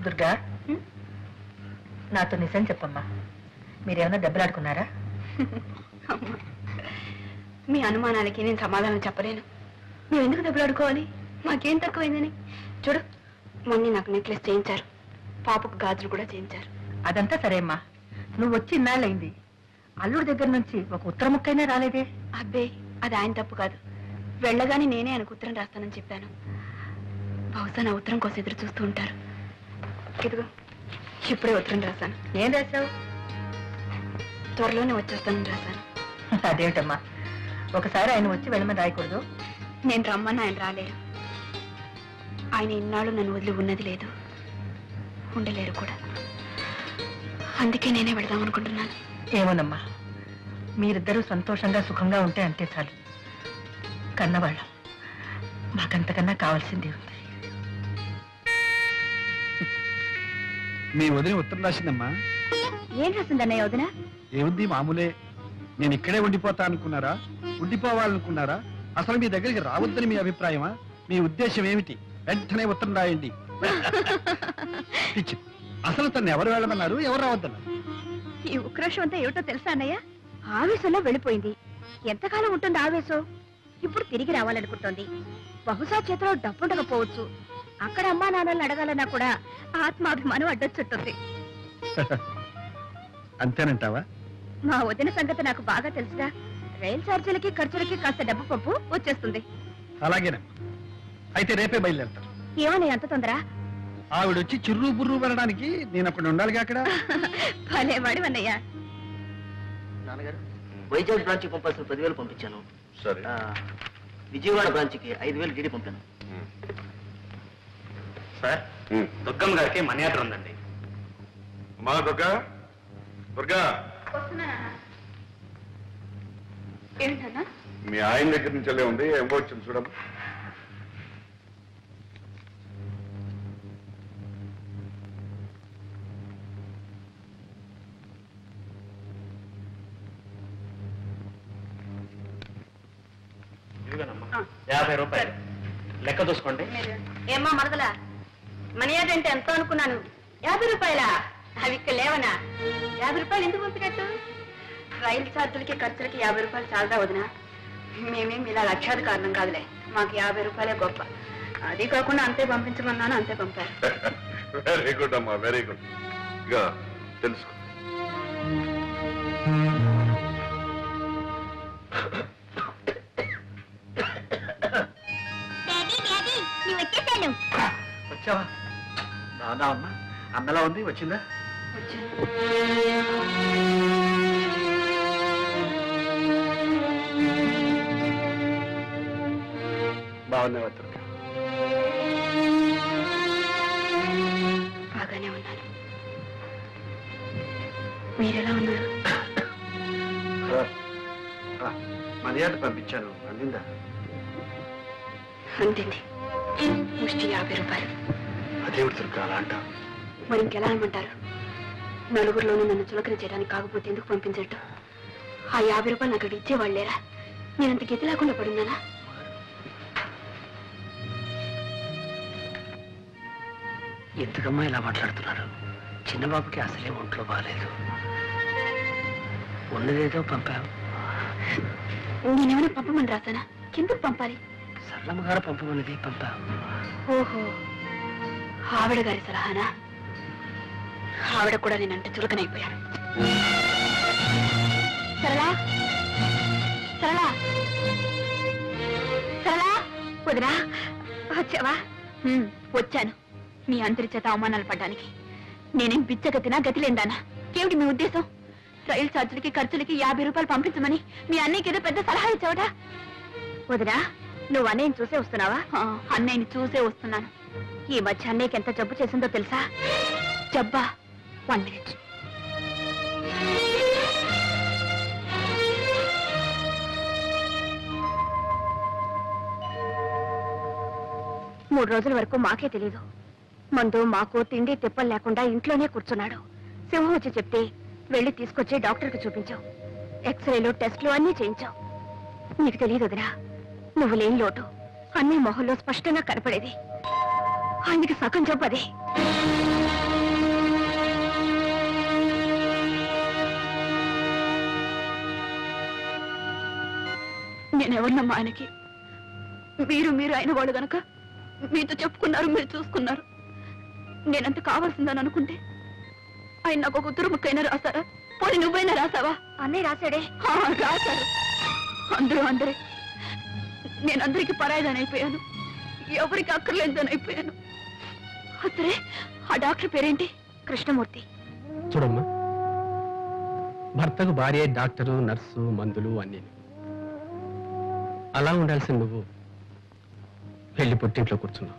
దుర్గా, నాతో నిజం చెప్పమ్మా, మీరేమన్నా దెబ్బలాడుకున్నారా? మీ అనుమానాలకి నేను సమాధానం చెప్పలేను. మేము ఎందుకు దెబ్బలాడుకోవాలి? మాకేం తక్కువైందని. చూడు, మొన్న నాకు నెక్లెస్ చేయించారు, పాపకు గాజులు కూడా చేయించారు. అదంతా సరే అమ్మా, నువ్వు వచ్చి ఇన్నాళ్ళైంది, అల్లుడి దగ్గర నుంచి ఒక ఉత్తర ముక్కైనా రాలేదే? అబ్బే, అది ఆయన తప్పు కాదు. వెళ్ళగానే నేనే ఆయనకు ఉత్తరం రాస్తానని చెప్పాను. బహుశా నా ఉత్తరం కోసం ఎదురు చూస్తూ ఉంటారు. ఇదిగో, ఇప్పుడే ఉత్తరం రాశాను. ఏం రాశావు? త్వరలోనే వచ్చేస్తానని రాశాను. అదేమిటమ్మా, ఒకసారి ఆయన వచ్చి వెళ్ళమని రాయకూడదు? నేను రమ్మని ఆయన రాలేరు. ఆయన ఇన్నాళ్ళు నన్ను వదిలి ఉన్నది లేదు, ఉండలేరు కూడా. అందుకే నేనే వెళదాం అనుకుంటున్నాను. ఏమోనమ్మా, మీరిద్దరూ సంతోషంగా సుఖంగా ఉంటే అంతే చాలు. కన్నవాళ్ళం, మాకంతకన్నా కావాల్సింది ఉంది. మీ వదిన ఉత్తరం రాసిందమ్మా. ఏం రాసిందన్నయ్య వదిన? ఏముంది, మామూలే. నేను ఇక్కడే ఉండిపోతా అనుకున్నారా, ఉండిపోవాలనుకున్నారా, అసలు మీ దగ్గరికి రావద్దని మీ అభిప్రాయమా? మీ ఉద్దేశం ఏమిటి? వెంటనే ఉత్తరం రాయండి. అసలు తను ఎవరు వెళ్ళమన్నారు, ఎవరు రావద్దన్నారు? ఈ ఉక్రోషం అంతా ఏమిటో తెలుసా అన్నయ్య? ఆవేశంలో వెళ్ళిపోయింది. ఎంతకాలం ఉంటుంది ఆవేశం? ఇప్పుడు తిరిగి రావాలనుకుంటోంది. బహుశా చేతిలో డబ్బుండకపోవచ్చు. అక్కడ అమ్మా నాన్నల్ని అడగాలన్నా కూడా ఆత్మాభిమానం అడ్డొచ్చుంటుంది. అంతేనంటావా? మా వదిన సంగతి నాకు బాగా తెలుసుగా. రైలు ఛార్జీలకి ఖర్చులకి కాస్త డబ్బు పప్పు వచ్చేస్తుంది. అలాగేనమ్మా, అయితే రేపే బయలుదేరుతాను. ఏమని అంత తొందర? ఆవిడొచ్చి చిర్రు బుర్రు పడడానికి నేను అక్కడ ఉండాలిగా. అక్కడ భలేవాడు అన్నయ్య. నాన్నగారు, వైజాగ్ బ్రాంచ్కి పంపాల్సిన 10,000 పంపించాను. సరే. విజయవాడ బ్రాంచ్కి 5,000 డీడీ పంపాను. సార్, దుర్గమ్మ గారికి మనీ ఆర్డర్ ఉందండి. అమ్మా దుర్గా, దుర్గా, ఏంటన్నా? మీ ఆయన దగ్గర నుంచి వెళ్ళే ఉంది, ఏం వచ్చింది చూడమ్మా. ఇదిగోనమ్మా, 50 రూపాయలు లెక్క చూసుకోండి. ఏమ్మా మరదలా, మనీ ఆర్డర్ అంటే ఎంతో అనుకున్నాను. 50 రూపాయలా? అవి ఇక్కడ లేవనా? 50 రూపాయలు ఎందుకు పంపినట్టు? రైలు ఛార్జీలకి ఖర్చులకి 50 రూపాయలు చాలదా వదినా? మేమేమి ఇలా లక్ష్యాది కారణం కాదులే, మాకు 50 రూపాయలే గొప్ప. అది కాకుండా అంతే పంపించమన్నాను, అంతే పంపారు. వెరీ గుడ్ అమ్మా, వెరీ గుడ్. ఇక తెలుసుకో. వచ్చావా? రాదా అమ్మా, అందలా ఉంది, వచ్చిందా? బాగున్నావా దుర్గా? బాగానే ఉన్నాను. మీరెలా ఉన్నారు? మర్యాద పంపించాను, అందిందా? అంతింది. ముష్టి 50 రూపాయలు. అదేవిడు దుర్గా అలా అంటావు? మరి ఇంకెలా అనమంటారు? నలుగురిలోనూ నన్ను చులకన చేయడానికి కాకపోతే ఎందుకు పంపించట్టు? ఆ 50 రూపాయలు నాకు అక్కడ ఇచ్చేవాళ్ళు లేరా? నేనంత గతి లేకుండా పడున్నానా? ఎందుకమ్మా ఇలా మాట్లాడుతున్నారు? చిన్నబాబుకి అసలే ఒంట్లో బాగాలేదు. ఉన్నదేదో పంపాం. నేనేమైనా పంపమని రాసానా? ఎందుకు పంపాలి? సరళమ్మ గారు పంపమన్నది పంపాం. ఓహో, ఆవిడ గారి సలహానా? ఆవిడ కూడా నేనంటే చులకనైపోయాను. సరళా, సరళా, సరళా, వదినా వచ్చావా? వచ్చాను. మీ అందరి చేత అవమానాలు పడ్డానికి. నేనేం బిచ్చగతినా, గతిలేందానా? ఏమిటి మీ ఉద్దేశం? రైలు ఛార్జీలకి ఖర్చులకి 50 రూపాయలు పంపించమని మీ అన్నయ్యకి ఏదో పెద్ద సలహా ఇచ్చావట. వదినా, నువ్వు అన్నయ్యని చూసే వస్తున్నావా? అన్నయ్యని చూసే వస్తున్నాను. ఈ మధ్య అన్నయ్యకి ఎంత జబ్బు చేసిందో తెలుసా? జబ్బా? 1 minute. మూడు రోజుల వరకు మాకే తెలీదు. మందు మాకు తిండి తిప్పలు లేకుండా ఇంట్లోనే కూర్చున్నాడు. సింహం వచ్చి చెప్తే వెళ్ళి తీసుకొచ్చి డాక్టర్కి చూపించావు. ఎక్స్రేలు, టెస్టులు అన్నీ చేయించావు. నీకు తెలియదు వదినా, నువ్వు లేని లోటు అన్ని మొహంలో స్పష్టంగా కనపడేది. ఆయనకి సగం జబ్బు అదే. నేను ఎవరినమ్మా ఆయనకి? మీరు అయిన వాళ్ళు గనక మీతో చెప్పుకున్నారు, మీరు చూసుకున్నారు. నేనంత కావాల్సిందని అనుకుంటే ఆయన నాకు ఒక ఉత్తరం ముక్కైనా రాశారా? పోనీ నువ్వైనా రాసావా? అన్నయ్య రాశాడే. రాశారు. అందరే నేను అందరికి పరాయిదాని అయిపోయాను, ఎవరికి అక్కర్లేదని అయిపోయాను. సరే, ఆ డాక్టర్ పేరేంటి? కృష్ణమూర్తి. చూడమ్మా, భర్తకు భార్య డాక్టరు, నర్సు, మందులు అన్నీ. అలా ఉండాల్సిన నువ్వు వెళ్ళి పుట్టింట్లో కూర్చున్నావు.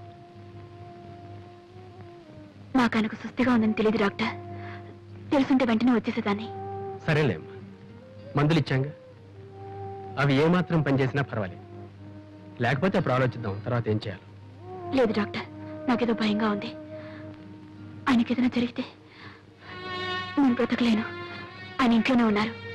నాకు ఆయనకు సుస్థిగా ఉందని తెలియదు డాక్టర్. తెలుసుంటే వెంటనే వచ్చేసేదాన్ని. సరేలేమ్మా, మందులు ఇచ్చాంగా, అవి ఏమాత్రం పనిచేసినా పర్వాలేదు. లేకపోతే అప్పుడు ఆలోచిద్దాం తర్వాత ఏం చేయాలి. లేదు డాక్టర్, నాకేదో భయంగా ఉంది. ఆయనకేదైనా జరిగితే నేను బ్రతకలేను. ఆయన ఇంట్లోనే ఉన్నారు.